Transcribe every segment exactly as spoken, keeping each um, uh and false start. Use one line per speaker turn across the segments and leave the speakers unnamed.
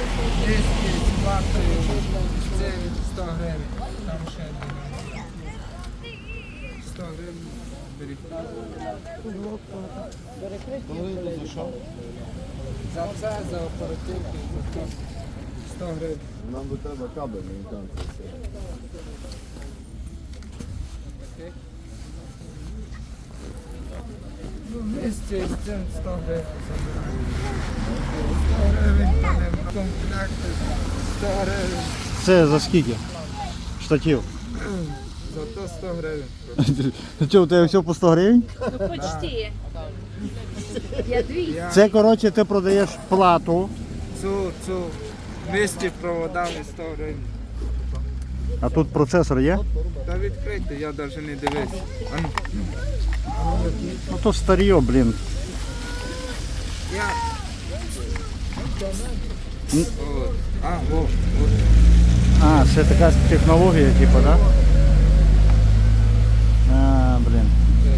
Диски з ватою, це сто гривень, там ще один. сто гривень беріть. За це, за оперативки, за це сто гривень.
Нам би треба кабель, не там це все.
Окей. Ну, вместе з цим сто гривень забираємо. сто гривень, то не комплекти, сто гривень.
Це за скільки? Штатів.
Зато сто гривень.
Ти що, у тебе все по сто гривень?
Ну почти. Я двісті.
Я
Це, коротше, ти продаєш плату,
цю, цю вместе проводами сто гривень.
а тут процесор є?
Та відкрийте, я навіть не дивився. А ну.
Ну то старьо, блін.
Я...
М.
От. А, о, от.
А, це така технологія, типу, да? А, блін.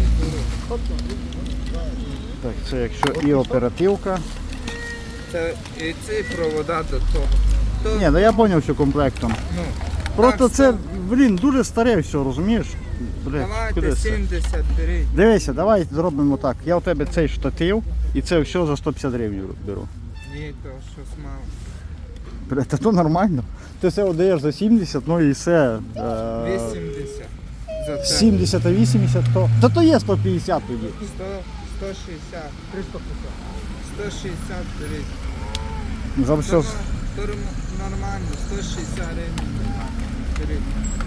Так, це якщо і оперативка.
Це і ці провода до того. То,
Ні, ну я зрозумів, що комплектом.
ну,
Просто
так,
це, блін, дуже старе все, розумієш? Блін, куди
давайте
це?
сімдесят беріть.
Дивися, давай зробимо так. Я у тебе цей штатив і це все за сто п'ятдесят гривень беру.
Ні, то щось мало.
Бля, та то нормально. Ти все віддаєш за сімдесят, ну і все. Е,
вісімдесят. За це.
сімдесят а вісімдесят то. Та то є сто п'ятдесят тоді.
сто, сто шістдесят. сто шістдесят беріть.
За
То,
все.
то нормально, сто шістдесят гривень. Беріть.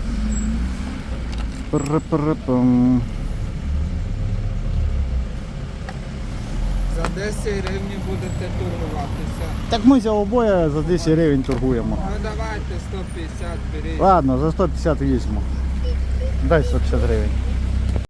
Пр-пр-пм.
За десять гривень будете торгуватися.
Так ми за обоє за десять гривень торгуємо.
Ну давайте сто п'ятдесят беріть.
Ладно, за сто п'ятдесят візьму. Дай сто п'ятдесят гривень.